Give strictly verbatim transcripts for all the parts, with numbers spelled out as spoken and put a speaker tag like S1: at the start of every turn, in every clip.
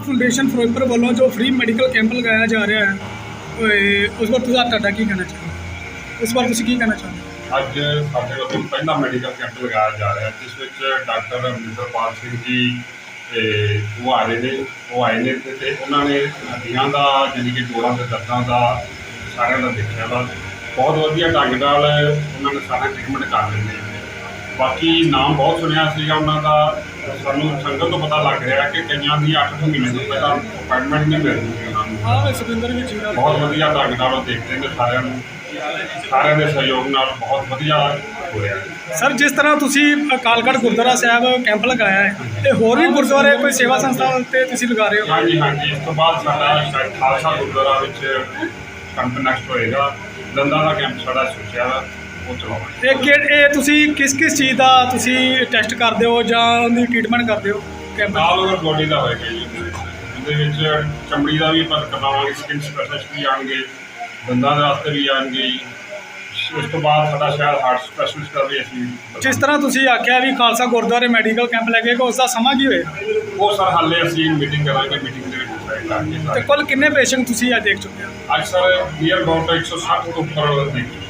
S1: Foundation Firozpur ਵੱਲੋਂ ਜੋ free medical camp ਲਗਾਇਆ ਜਾ ਰਿਹਾ ਹੈ, ਉਸ ਬਾਰੇ ਤੁਸੀਂ ਤੁਹਾਡਾ ਕੀ ਕਹਿਣਾ ਚਾਹੁੰਦੇ ਉਸ ਬਾਰੇ ਤੁਸੀਂ ਕੀ ਕਹਿਣਾ ਚਾਹੁੰਦੇ
S2: ਅੱਜ ਸਾਡੇ ਵੱਲੋਂ ਪਹਿਲਾ ਮੈਡੀਕਲ ਕੈਂਪ ਲਗਾਇਆ ਜਾ ਰਿਹਾ, ਜਿਸ ਵਿੱਚ ਡਾਕਟਰ ਅਮਰਿੰਦਰਪਾਲ ਸਿੰਘ ਜੀ ਤੇ ਉਹ ਆ ਰਹੇ ਨੇ ਉਹ ਆਏ ਨੇ ਤੇ ਉਹਨਾਂ ਨੇ ਹੱਡੀਆਂ ਦਾ ਜਾਣੀ ਕਿ ਜੋੜਾਂ ਦੇ ਦਰਦਾਂ ਦਾ ਸਾਰਿਆਂ ਦਾ ਦੇਖਿਆ ਵਾ। ਬਹੁਤ ਵਧੀਆ ਢੰਗ ਨਾਲ ਉਹਨਾਂ ਨੇ ਸਾਰਾ ਟ੍ਰੀਟਮੈਂਟ ਕਰ ਰਹੇ ਨੇ। ਬਾਕੀ ਨਾਮ ਬਹੁਤ ਸੁਣਿਆ ਸੀਗਾ ਉਹਨਾਂ ਦਾ, ਸਾਨੂੰ ਸੰਗਤ ਤੋਂ ਪਤਾ ਲੱਗ ਰਿਹਾ ਕਿ ਕਈਆਂ ਦੀ ਅੱਠ ਕੁ ਮਹੀਨੇ ਤੋਂ ਪਹਿਲਾਂ ਅਪਾਇੰਟਮੈਂਟ ਨਹੀਂ ਮਿਲ ਰਹੀ ਉਹਨਾਂ ਨੂੰ।
S1: ਹਾਂ, ਸੁਖਿੰਦਰ ਵੀ ਜੀਰਾ
S2: ਬਹੁਤ ਵਧੀਆ ਢੰਗ ਨਾਲ ਉਹ ਦੇਖਦੇ ਨੇ ਸਾਰਿਆਂ ਨੂੰ, ਸਾਰਿਆਂ ਦੇ ਸਹਿਯੋਗ ਨਾਲ ਬਹੁਤ ਵਧੀਆ ਹੋ ਰਿਹਾ ਹੈ।
S1: ਸਰ, ਜਿਸ ਤਰ੍ਹਾਂ ਤੁਸੀਂ ਅਕਾਲਗੜ੍ਹ ਗੁਰਦੁਆਰਾ ਸਾਹਿਬ ਕੈਂਪ ਲਗਾਇਆ ਹੈ ਤੇ ਹੋਰ ਵੀ ਗੁਰਦੁਆਰੇ ਕੋਈ ਸੇਵਾ ਸੰਸਥਾ ਤੇ ਤੁਸੀਂ ਲਗਾ ਰਹੇ ਹੋ?
S2: ਹਾਂਜੀ ਹਾਂਜੀ, ਇਸ ਤੋਂ ਬਾਅਦ ਸਾਡਾ ਸ਼ਾਇਦ ਖਾਲਸਾ ਗੁਰਦੁਆਰਾ ਵਿੱਚ ਕੈਂਪ ਨੈਕਸਟ ਹੋਏਗਾ। ਦੰਦਾਂ ਦਾ ਕੈਂਪ ਸਾਡਾ ਸੋਚਿਆ ਵਾ, ਉਹ ਚਲਾਵਾਂਗੇ।
S1: ਇਹ ਕਿ ਇਹ ਤੁਸੀਂ ਕਿਸ ਕਿਸ ਚੀਜ਼ ਦਾ ਤੁਸੀਂ ਟੈਸਟ ਕਰਦੇ ਹੋ ਜਾਂ ਉਹਦੀ ਟ੍ਰੀਟਮੈਂਟ ਕਰਦੇ ਹੋ ਕੈਂਪ?
S2: ਆਲ ਓਵਰ ਬੋਡੀ ਦਾ ਹੋਏਗਾ ਜੀ। ਉਹਦੇ ਵਿੱਚ ਚਮੜੀ ਦਾ ਵੀ ਆਪਾਂ ਕਰਵਾਵਾਂਗੇ, ਸਕਿਨ ਸਪੈਸ਼ਲਿਸਟ ਵੀ ਆਉਣਗੇ, ਦੰਦਾਂ ਦੇ ਵਾਸਤੇ ਵੀ ਆਉਣਗੇ ਜੀ। ਉਸ ਤੋਂ ਬਾਅਦ ਸਾਡਾ ਸ਼ਾਇਦ ਹਾਰਟ ਸਪੈਸ਼ਲਿਸਟ ਦਾ ਵੀ ਅਸੀਂ।
S1: ਜਿਸ ਤਰ੍ਹਾਂ ਤੁਸੀਂ ਆਖਿਆ ਵੀ ਖਾਲਸਾ ਗੁਰਦੁਆਰੇ ਮੈਡੀਕਲ ਕੈਂਪ ਲੱਗੇਗਾ, ਉਸ ਦਾ ਸਮਾਂ ਕੀ ਹੋਏਗਾ?
S2: ਉਹ ਸਰ ਹਾਲੇ ਅਸੀਂ ਮੀਟਿੰਗ ਕਰਾਂਗੇ, ਮੀਟਿੰਗ ਦੇ ਵਿੱਚ ਡਿਸਾਈਡ ਕਰਾਂਗੇ
S1: ਤੇ
S2: ਸਾਰੇ।
S1: ਕੁੱਲ ਕਿੰਨੇ ਪੇਸ਼ੈਂਟ ਤੁਸੀਂ ਅੱਜ ਦੇਖ ਚੁੱਕੇ ਹੋ?
S2: ਅੱਜ ਸਰ ਨੀਅਰ ਅਬਾਊਟ ਇੱਕ ਸੌ ਸੱਠ ਤੋਂ ਉੱਪਰ ਦੇਖ ਚੁੱਕੇ।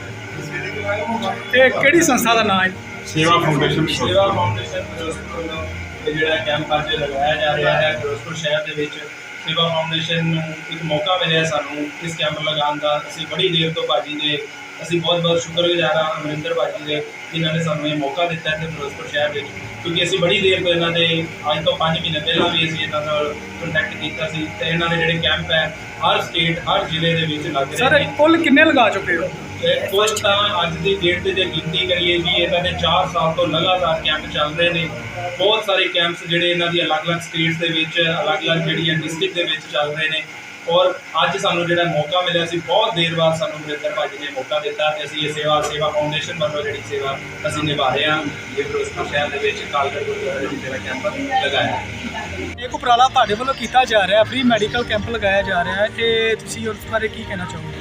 S1: ਇਹ ਕਿਹੜੀ ਸੰਸਥਾ ਦਾ ਨਾਮ ਹੈ?
S2: ਸੇਵਾ ਫਾਊਂਡੇਸ਼ਨ।
S3: ਸੇਵਾ ਫਾਊਂਡੇਸ਼ਨ ਫਿਰੋਜ਼ਪੁਰ ਵੱਲੋਂ ਇਹ ਜਿਹੜਾ ਕੈਂਪ ਅੱਜ ਲਗਾਇਆ ਜਾ ਰਿਹਾ ਹੈ ਫਿਰੋਜ਼ਪੁਰ ਸ਼ਹਿਰ ਦੇ ਵਿੱਚ। ਸੇਵਾ ਫਾਊਂਡੇਸ਼ਨ ਨੂੰ ਇੱਕ ਮੌਕਾ ਮਿਲਿਆ ਸਾਨੂੰ ਇਸ ਕੈਂਪ ਲਗਾਉਣ ਦਾ। ਅਸੀਂ ਬੜੀ ਦੇਰ ਤੋਂ ਭਾਜੀ ਦੇ ਅਸੀਂ ਬਹੁਤ ਬਹੁਤ ਸ਼ੁਕਰਗੁਜ਼ਾਰ ਹਾਂ ਅਮਰਿੰਦਰ ਭਾਜੀ ਦੇ, ਜਿਨ੍ਹਾਂ ਨੇ ਸਾਨੂੰ ਇਹ ਮੌਕਾ ਦਿੱਤਾ ਇੱਥੇ ਫਿਰੋਜ਼ਪੁਰ ਸ਼ਹਿਰ ਵਿੱਚ, ਕਿਉਂਕਿ ਅਸੀਂ ਬੜੀ ਦੇਰ ਤੋਂ ਇਹਨਾਂ ਦੇ ਅੱਜ ਤੋਂ ਪੰਜ ਮਹੀਨੇ ਪਹਿਲਾਂ ਵੀ ਅਸੀਂ ਇਹਨਾਂ ਨਾਲ ਕੰਟੈਕਟ ਕੀਤਾ ਸੀ। ਤੇ ਇਹਨਾਂ ਦੇ ਜਿਹੜੇ ਕੈਂਪ ਹੈ ਹਰ ਸਟੇਟ ਹਰ ਜ਼ਿਲ੍ਹੇ ਦੇ ਵਿੱਚ ਲੱਗ ਰਹੇ
S1: ਸਰ,
S3: ਨੇ।
S1: ਕੁੱਲ ਕਿੰਨੇ ਲਗਾ ਚੁੱਕੇ ਹੋ?
S3: ਕੁਝ ਤਾਂ ਅੱਜ ਦੀ ਡੇਟ ਤੇ ਜੇ ਗਿਣਤੀ ਕਰੀਏ ਜੀ, ਇਹਨਾਂ ਦੇ ਚਾਰ ਸਾਲ ਤੋਂ ਲਗਾਤਾਰ ਕੈਂਪ ਚੱਲ ਰਹੇ ਨੇ। ਬਹੁਤ ਸਾਰੇ ਕੈਂਪਸ ਜਿਹੜੇ ਇਹਨਾਂ ਦੀ ਅਲੱਗ-ਅਲੱਗ ਸਟੇਟਸ ਦੇ ਵਿੱਚ ਅਲੱਗ-ਅਲੱਗ ਜਿਹੜੀਆਂ ਡਿਸਟ੍ਰਿਕਟ ਦੇ ਵਿੱਚ ਚੱਲ ਰਹੇ ਨੇ। ਔਰ ਅੱਜ ਸਾਨੂੰ ਜਿਹੜਾ ਮੌਕਾ ਮਿਲਿਆ ਸੀ, ਬਹੁਤ ਦੇਰ ਬਾਅਦ ਸਾਨੂੰ ਅਮਰਿੰਦਰ ਭਾਜੀ ਨੇ ਮੌਕਾ ਦਿੱਤਾ ਤੇ ਅਸੀਂ ਇਹ ਸੇਵਾ ਸੇਵਾ ਫਾਊਂਡੇਸ਼ਨ ਵੱਲੋਂ ਜਿਹੜੀ ਸੇਵਾ ਅਸੀਂ ਨਿਭਾ ਰਹੇ ਹਾਂ ਇਹ ਫਿਰੋਜ਼ਪੁਰ ਸ਼ਹਿਰ ਦੇ ਵਿੱਚ ਅਕਾਲਗੜ੍ਹ ਗੁਰਦੁਆਰੇ ਵਿੱਚ ਜਿਹੜਾ ਕੈਂਪ ਲਗਾਇਆ।
S1: ਇੱਕ ਉਪਰਾਲਾ ਤੁਹਾਡੇ ਵੱਲੋਂ ਕੀਤਾ ਜਾ ਰਿਹਾ, ਫ੍ਰੀ ਮੈਡੀਕਲ ਕੈਂਪ ਲਗਾਇਆ ਜਾ ਰਿਹਾ ਹੈ, ਇਹ ਤੁਸੀਂ ਉਸ ਬਾਰੇ ਕੀ ਕਹਿਣਾ ਚਾਹੋਗੇ?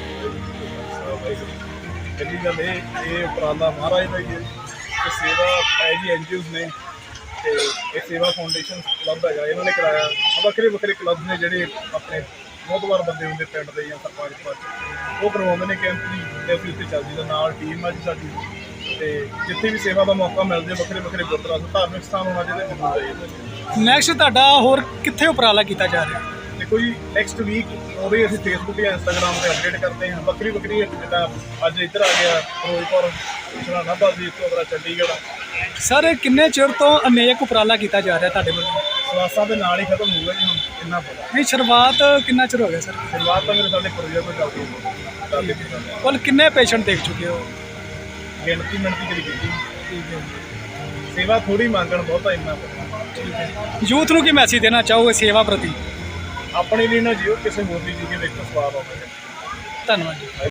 S4: ਪਹਿਲੀ ਗੱਲ ਇਹ ਇਹ ਉਪਰਾਲਾ ਮਹਾਰਾਜ ਦਾ ਹੀ ਹੈ ਕਿ ਸੇਵਾ ਹੈ ਜੀ ਐਨ ਜੀ ਓਜ਼ ਨੇ ਅਤੇ ਇਹ ਸੇਵਾ ਫਾਊਂਡੇਸ਼ਨ ਕਲੱਬ ਹੈਗਾ, ਇਹਨਾਂ ਨੇ ਕਰਾਇਆ। ਵੱਖਰੇ ਵੱਖਰੇ ਕਲੱਬ ਨੇ ਜਿਹੜੇ ਆਪਣੇ ਮੋਹਤਵਾਰ ਬੰਦੇ ਹੁੰਦੇ ਪਿੰਡ ਦੇ ਜਾਂ ਸਰਪੰਚ ਪੰਚ, ਉਹ ਕਰਵਾਉਂਦੇ ਨੇ ਕੈਂਪ ਜੀ ਅਤੇ ਅਸੀਂ ਉੱਥੇ ਚੱਲਦੀ ਦਾ ਨਾਲ ਟੀਮ ਆ ਜੀ ਸਾਡੀ। ਅਤੇ ਜਿੱਥੇ ਵੀ ਸੇਵਾ ਦਾ ਮੌਕਾ ਮਿਲ ਜਾਵੇ, ਵੱਖਰੇ ਵੱਖਰੇ ਗੁਰਦੁਆਰਾ ਧਾਰਮਿਕ ਸਥਾਨ ਹੋਣਾ ਚਾਹੀਦਾ, ਜ਼ਰੂਰ ਚਾਹੀਦਾ।
S1: ਨੈਕਸਟ ਤੁਹਾਡਾ ਹੋਰ ਕਿੱਥੇ ਉਪਰਾਲਾ ਕੀਤਾ ਜਾ ਰਿਹਾ?
S4: ਦੇਖੋ ਜੀ, ਨੈਕਸਟ ਵੀਕ ਉਹਦੇ ਅਸੀਂ ਫੇਸਬੁੱਕ ਜਾਂ ਇੰਸਟਾਗ੍ਰਾਮ 'ਤੇ ਅਪਡੇਟ ਕਰਦੇ ਹਾਂ। ਵੱਖਰੀ ਵੱਖਰੀ ਜਿੱਦਾਂ ਅੱਜ ਇੱਧਰ ਆ ਗਿਆ ਫਿਰੋਜ਼ਪੁਰ, ਹੁਸ਼ਿਆਰਪੁਰ ਦੀ, ਇਸ ਤੋਂ ਅਗਲਾ ਚੰਡੀਗੜ੍ਹ।
S1: ਸਰ, ਕਿੰਨੇ ਚਿਰ ਤੋਂ ਅਨੇਕ ਉਪਰਾਲਾ ਕੀਤਾ ਜਾ ਰਿਹਾ ਤੁਹਾਡੇ ਵੱਲੋਂ?
S4: ਸਵਾਸਾਂ ਦੇ ਨਾਲ ਹੀ ਖਤਮ ਹੋਊਗਾ ਜੀ, ਹੁਣ ਇੰਨਾ ਪਤਾ।
S1: ਨਹੀਂ, ਸ਼ੁਰੂਆਤ ਕਿੰਨਾ ਚਿਰ ਹੋ ਗਿਆ ਸਰ?
S4: ਸ਼ੁਰੂਆਤ ਤਾਂ ਮੇਰੇ ਸਾਡੇ ਪ੍ਰੋਜੈਕਟ ਤੋਂ ਚੱਲਦੀ ਹੈ ਚੱਲਦੀ ਹੈ।
S1: ਕੁੱਲ ਕਿੰਨੇ ਪੇਸ਼ੈਂਟ ਦੇਖ ਚੁੱਕੇ ਹੋ?
S4: ਗਿਣਤੀ ਮਿਣਤੀ ਕਰੀ ਕੀਤੀ।
S1: ਠੀਕ ਹੈ।
S4: ਸੇਵਾ ਥੋੜੀ ਮੰਗਣ ਬਹੁਤਾ ਇੰਨਾ ਪਤਾ।
S1: ਠੀਕ ਹੈ। ਯੂਥ ਨੂੰ ਕੀ ਮੈਸੇਜ ਦੇਣਾ ਚਾਹੋਗੇ ਸੇਵਾ ਪ੍ਰਤੀ?
S4: ਆਪਣੇ ਲਈ ਨਾ ਜੀਓ, ਕਿਸੇ ਹੋਰ ਦੀ ਜੀ ਕੇ ਵੇਖੋ ਸਵਾਦ ਆਉਂਦਾ ਹੈ।
S1: ਧੰਨਵਾਦ ਜੀ।